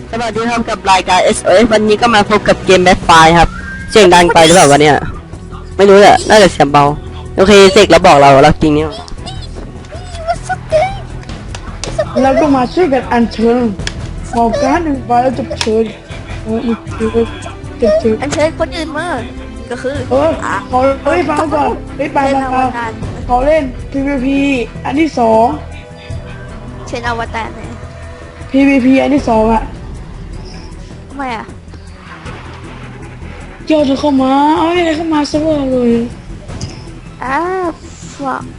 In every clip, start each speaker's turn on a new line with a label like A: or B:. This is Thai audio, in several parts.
A: สวัสดีครับกับรายการ SOS วันนี้ก็มาพบกับเกมแบ็คไฟครับเสียงดังไปหรือเปล่าวะเนี่ยไม่รู้แหละน่าจะเสียงเบาโอเคเสกแล้วบอกเราจริงเนี่ย
B: แล้วก็มาช่วยกันอัญเชิญหมอการหนึ่งใบแล้วจะเชิญอีกทีจะเชิญ
C: อันเชิญคนอื่นมาก็คือ
B: เขาฟังก่อนฟังเขาเล่น PVP อันที่สอง
C: เชิญอวตารเลย
B: PVP อันที่สองอ่ะ
C: ทำไมอ่ะ
B: เจ้าเธอเข้ามาเอาอะไรเข้ามาเสมอเลย
C: ฟัง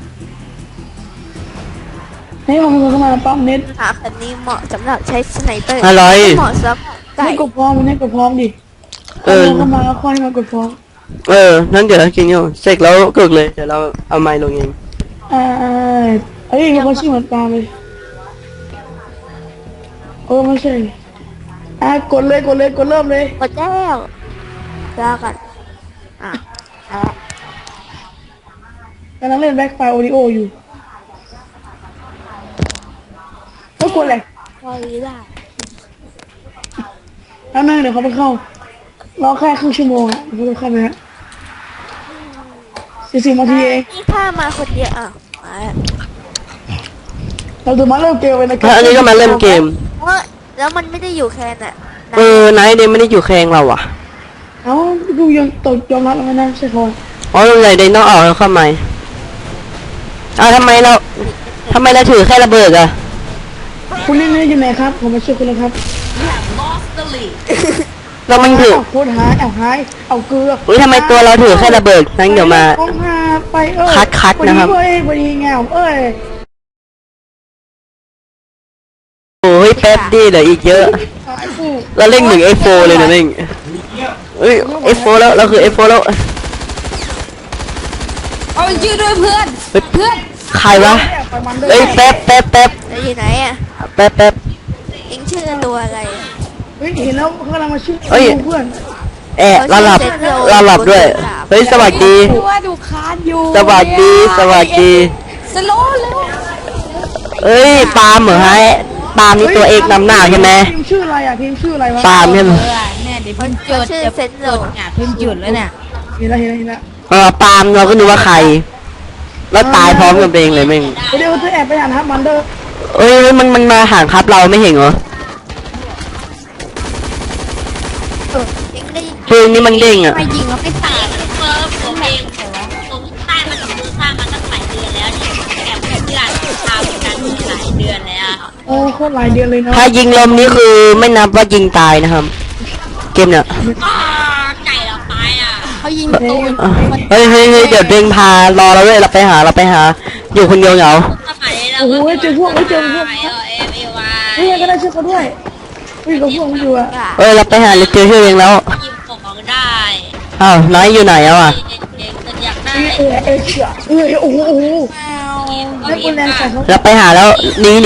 B: ให้ผมเข้ามาปั๊มเน็ต
C: หาแบบนี้เหมาะสำหรับใช้สไนเปอร์
A: อะไร
C: เหมาะสำหรับไก่
B: ให้กดพร้อมให้กดพร้อมดิเข้ามาแล้วค่อยมากดพร้อม
A: นั่นเดี๋ยวจริงอยู่เสกแล้วกึกเลยเดี๋ยวเราเอาไมค์ลงเอง
B: เอ้ยเขาชื่อเหมือนปลาเลยไม่ใช่กดเลยเริ่มเลย
C: กดแล้วแล้วกัน
B: กำลังเล่นแบ็คไฟโอริโออยู่ก็กดเลย
C: พอดีได้
B: แล้วนั่งเดี๋ยวเขาไปเข้ารอแค่ครึ่งชั่วโมงอ่ะเขาจะเข้าไปฮะ40 นาทีเอง
C: นี่ถ้ามาคนเดียวมา
B: เราจะมาเริ่มเกมเลยนะครั
A: อันนี้ก็มาเล่นเกม
C: แล้วมันไม่ได้อยู่แค่น่ะ
A: ไนท์เดย์ไม่ได้อยู่แคงเราอ่ะ
B: ดูยังตกยอมรับแล้วนะใช่พอ
A: อ๋อลงใหญ่เดย์ต้องออกแล้วเข้ามาทำไมเราถือแค่ระเบิดอ่ะ
B: คุณเล่นอยู่ไหนครับผมมาช่วยคุณแล้วครับ
A: เรามันถือ
B: โคตรหายเอาเกลือ
A: ทำไมตัวเราถือแค่ระเบิดนั่นเดี๋ยวมา
B: ไป
A: คัดนะครับ
B: วันนี้เงา
A: โอ้ยแป๊บดีเหลืออีกเยอะเราเล่นหนึ่ง F4 เลยนะเล่นF4 แล้วเราคือ F4 แล้ว
D: เอายืดด้วยเพื่อน
A: ใครวะแป๊บ
C: แล้วอยู่ไหนอ่ะ
A: แป๊บ
C: เอ็งชื่อตัวอะไร
B: เห็นแล้วเขากำลังมาช่วยเพื่อน
A: เราหลับด้วยเฮ้ยสวัสดี
D: ว่าดูคานอยู่
A: สวัสดี
D: สโลว์เลย
A: เอ้ยปาล์มเหรอฮะปาล์มนี่ตัวเอกนำหน้าใช่ไหม
B: ทีมชื่ออะไรอ่ะทีมชื่ออะไรวะ
A: ปาล์มใช่ไหม
D: เนี่ยเดี๋ยวเพิ่งจุด
C: ชื่อ
D: เดี๋ยว
C: เซนโล
D: เนี่ยเพิ่งจุดแล้วเนี่ย
B: เห็นแล้ว
A: ปาล์มเราก็นึกว่าใครแล้วตายพร้อมกับเองเลยแม่ง
B: เดี๋ยวจะแอบไปอ่านครับมันเดอร์
A: เอ้ยมันมาห่างครับเราไม่เห็นเหรอ
C: เอ็งได้
A: เพลงนี้มันเด้งอ่ะ
D: ไปยิงแล้วไปตาย
E: ผมเองผมสร้างมากับมือสร้างมาตั้งหลายเดือนแล้วเนี่ยแอบเพื่อนที่ร้านทำกันหลายเดือนแล้ว
B: โคตรหลายเดือนเลยนะ
A: ถ้ายิงลมนี่คือไม่นับว่ายิงตายนะครับ เกมเนี่ย
E: ไก่เราตายอ่ะ
D: เขายิงตูน
A: เฮ้ยเดี๋ยวเด้งพารอเราด้วยเราไปหาอยู่คนเดียวเหงา
E: สมัยเรา
B: โอ้โหเจอพวก
E: เอเอวา
B: เฮ้ยก็ได้ช่วยเขาด้วยกับพวกมันอยู่อ่ะ
A: เราไปหาเจอชื่อเองแล้ว
E: ยิงของได้
A: อ้าวนายอยู่ไหนอ่ะ
E: เด็กอยากได้
B: โอ้โหให้คุณแรงใส่เขา
A: เราไปหาแล้วหนี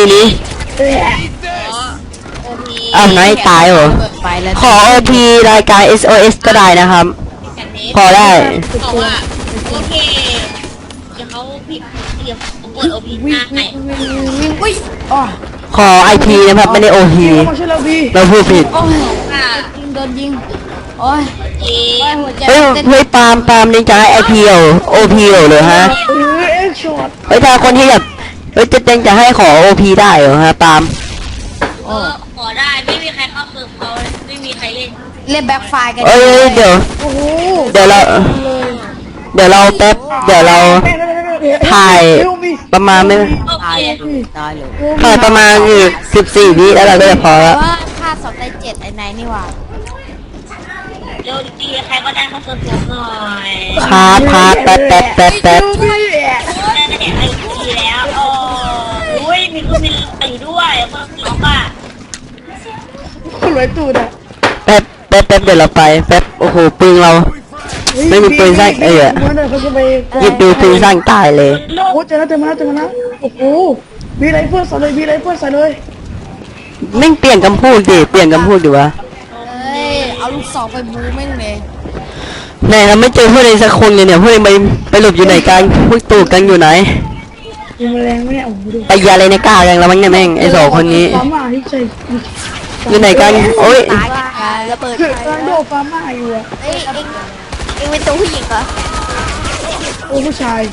A: อ้าวนายตายเหรอ
D: ไปแล้ว
A: ขอ OP รายการ SOS ก็ได้นะครับ พอได้
E: บอกว่าโอเคเดี๋ยวเขาผิดเดี๋ยวผมกดโอพีหน้าให้
D: วิ่ง
B: อ๋อ
A: ขอ IP นะครับไม่ได้ OP
B: มาช่วยเราพี่
A: เราพูดผิด
D: โอ้ยยิงโดนยิงโอ้ย
E: เอ
D: หัวใจ
A: เฮ้ยปาล์มนี่จะให้ IP เหรอ OP เหรอฮะ
B: เอ็กช็อต
A: เฮ้ยถ้าคนที่แบบจะให้ขอ OP ได้เหรอฮะปาล์ม
E: ขอได้ไม่มีใครเข้าเซิร์ฟเขาไม่มีใครเล่น
D: เล่นแบ็คไฟกัน
A: เอ้ยเดี๋ยว
B: โอ้โห
A: เดี๋ยวเราแป๊บเดี๋ยวเราถ่ายประมาณไม่
E: โอ
D: ตาย
E: เค
D: ตายเลย
A: ถ่ายประมาณอยู่14 วิแล้วเราก็จะพอแล้ว
D: ว่าค่าสอบได้7ไอ้ไหนนี่หว่า
E: เร็วดีใครก็ได้เข้าเซิร์ฟผมหน่อย
A: พาแป๊บ
E: ได้แต่ไอ้ทีแล้วโอ้ยมีคือมีตีด้วยเพิ่มล็อกอ่ะ
B: คุณรวยตูดอ่ะ
A: แป๊บเดี๋ยวเราไปแป๊บโอ้โหปืนเราไม่มีปืนสั้น
B: เขาจะไป
A: หยิบดูปืนสั้นตายเลย
B: โอ้เจอแล้วโอ้โหมีไรเฟิร์สใส่เลย
A: ไม่เปลี่ยนคำพูดดิเปลี่ยนคำพูดดีวะ
D: เอ้ยเอาลูกศรไปบูแม่งเลย
A: ไหนเราไม่เจอพวกเองสักคนเลยเนี่ยพวกเองไปหลบอยู่ไหนกันพวกตูกันอยู่ไหน
B: มีแมลงไหมเนี่ยโอ้โหดู
A: ไปยาอะไรในกล้ากันแล้วมั้งเนี่ยแม่งไอ้สองคนนี้
B: ปั๊มอ่ะที่ใส่
A: อยู่ไหนกันโอ้ย
D: ตายกัน
C: ว่าระเบิด
B: คือ
C: ใคร
B: กำลังโด
C: แล้ว
B: ดฟาร์มาอยู่อะ
C: เอ้ยเองเป็นตัวผู้หญิงเหรอ
B: โอ้ผู้ชาย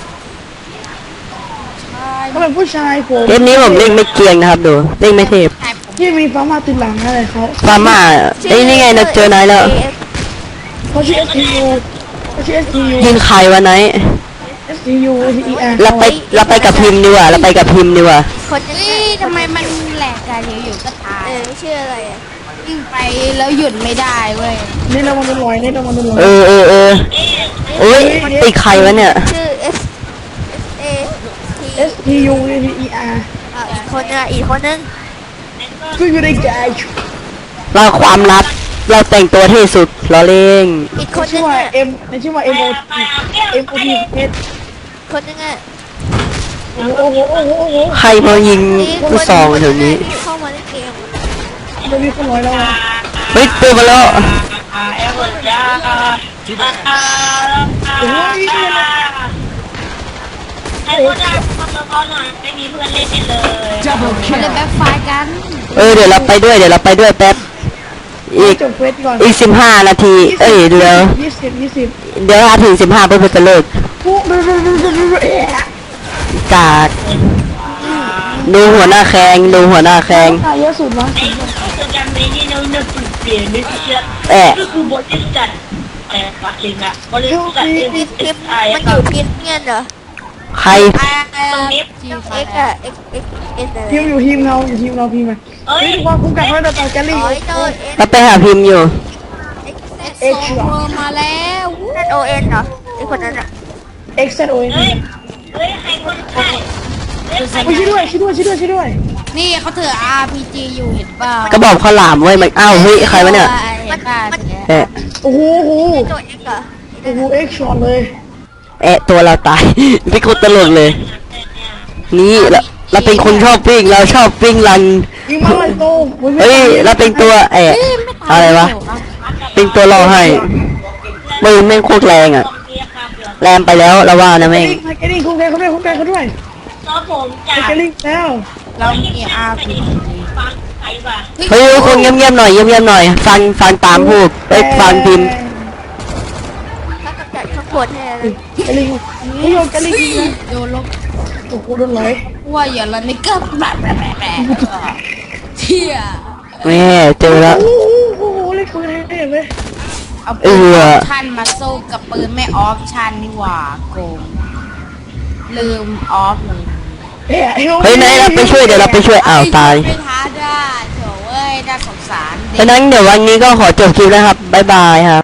B: เขาเป็นผู้ชายผม
A: เกมนี้ผมเล่นไม่เกรียงนะครับดูเล่นไม่เทพ
D: ใช่ผม
B: ที่มีฟาร์มาติดหลังอะไรเขา
A: ฟาร์มาเอ้ยนี่ไงเราเจอนายแล้ว
B: เขาชื่อ STU เขาชื่อ STU
A: ยิงใครวะไนท์
B: STU STER
A: เราไปกับพิมพ์ดีกว่าเราไปกับพิมพ์ดีกว่า
C: คนนึง
D: เฮ้ยทำไมมันแหลกกันอยู่ๆก็ตาย
C: ชื่ออะไรอ่ะ
D: วิ่งไปแล้วหยุดไม่ได้เว้ย
B: นี่เรามาดูลอยนี่เรามาดูลอย
A: เออโอ้ยติดใครวะเนี่ย
C: ชื่อ A T
B: STU STER
C: อีกคนนึงอีกคนนึง
B: ก็อยู่ในแกช
A: เราความลับเราแต่งตัวที่สุดเราเล่ง
C: อีกคนนึ
B: ชื่อง ว่า
C: อ่ะ
B: M ในชื่อว่า MOT MOT S
C: คนนึงอ่ะ
B: โอ้โหโอ้โหโอ้โห
A: ใครมายิงผู้ซองแถวนี้
C: เข้ามาในเกม
B: มันมีคนลอยแล้วอะ
A: เฮ้ยตัวมาแล้ว
B: โอ้ย
E: ให้คนได้คนละคนหน่อยไม่มีเพื่อนเล่นเลย
D: มันเลยแบ็คไฟร์กัน
A: เดี๋ยวเราไปด้วยแป๊บอีก
B: จบเฟสก่อน
A: อีก15 นาที เอ้ยเดี๋ยว
B: 20
A: เดี๋ยวถ้าถึง15เพื่อจะเลิก
B: ปุ๊บเอ๊ะ
A: กากดูหัวหน้าแขง
B: ตายเยอะสุดวะ
E: ไอ้โปรแกรมนี้นี่เราเปลี่ยนไม่เชื่อ
A: แอะ
E: ก็คือบริษัทปักกิ่งอะบริษัท
C: ทีม
E: SSI
C: มันอยู่ทีมเงี้ยเหรอ
A: ใคร
E: ตรงนี้
C: X อ่ะ X N อะไร
B: ทีมอยู่ทีมเราอยู่ทีมเราพีมา
E: เอ้ย
B: เฮ้ยว่าคุ้มกันไว้เราต่อแกลลี่
C: อ๋อเจ้า N
A: เราไปหาพิมพ์อยู่
D: เอ็กซ์โรมาแล้ววู้
C: O N เหรอไอคนนั้นอ่ะ
B: X Z O N
E: เฮ้ยใครคนไข้เฮ้ยใคร
B: ช่วยด้วย
D: นี่เขาถือ RPG อยู่เห็นเปล่า
A: ก็บอกข้าวหลามไว้มันอ้าวเฮ้ยใครวะเนี่ย
D: เห็นป่ะ
A: แอะ
B: โอ้โห
C: ตัว X เหรอ
B: โอ้โห X ช็อตเลย
A: แอะตัวเราตาย พี่คนตลกเลย นี่เราเป็นคนชอบปิ้งเราชอบปิ้งรัน
B: ยิงมาเลยโต
A: เฮ้ยเราเป็นตัวแอะอะไรวะเป็นตัวรอให้ปืนแม่งโคตรแรงอ่ะ แรงไปแล้วเราว่านะแม่ง
B: แกลลี่คุ้มกันเขาด้วย
E: ซอผมจาก
B: แกลลี่แล้ว
D: เรามี RPG
E: ฟังใครวะ
A: เฮ้ยคนเงียบๆหน่อยฟังตามพูดฟังพิมพ์
C: ถ้ากำจัดข้างบนให้อะไร
B: แกลลี่เฮ้ยแกลลี่ยิงนะ
D: โดนลบ
B: โอ้โหโดนไหล
D: ว่าอย่าละนี่ก็แบบเที่ย
A: แม่เจอแล้ว
B: โอ้โหเล่นปืนให้เลย
D: เอาปืนออปชั่นมาสู้กับปืนไม่ออปชั่นนี่หว่าโกงลืมออฟเลย
A: เฮ้ยไหนเราไปช่วยเดี๋ยวเราไปช่วยอ้าวตาย
D: ไม่ท้าได้โถเว้ยน่าสงสาร
A: ดังนั้นเดี๋ยววันนี้ก็ขอจบคลิปนะครับบ๊ายบายครับ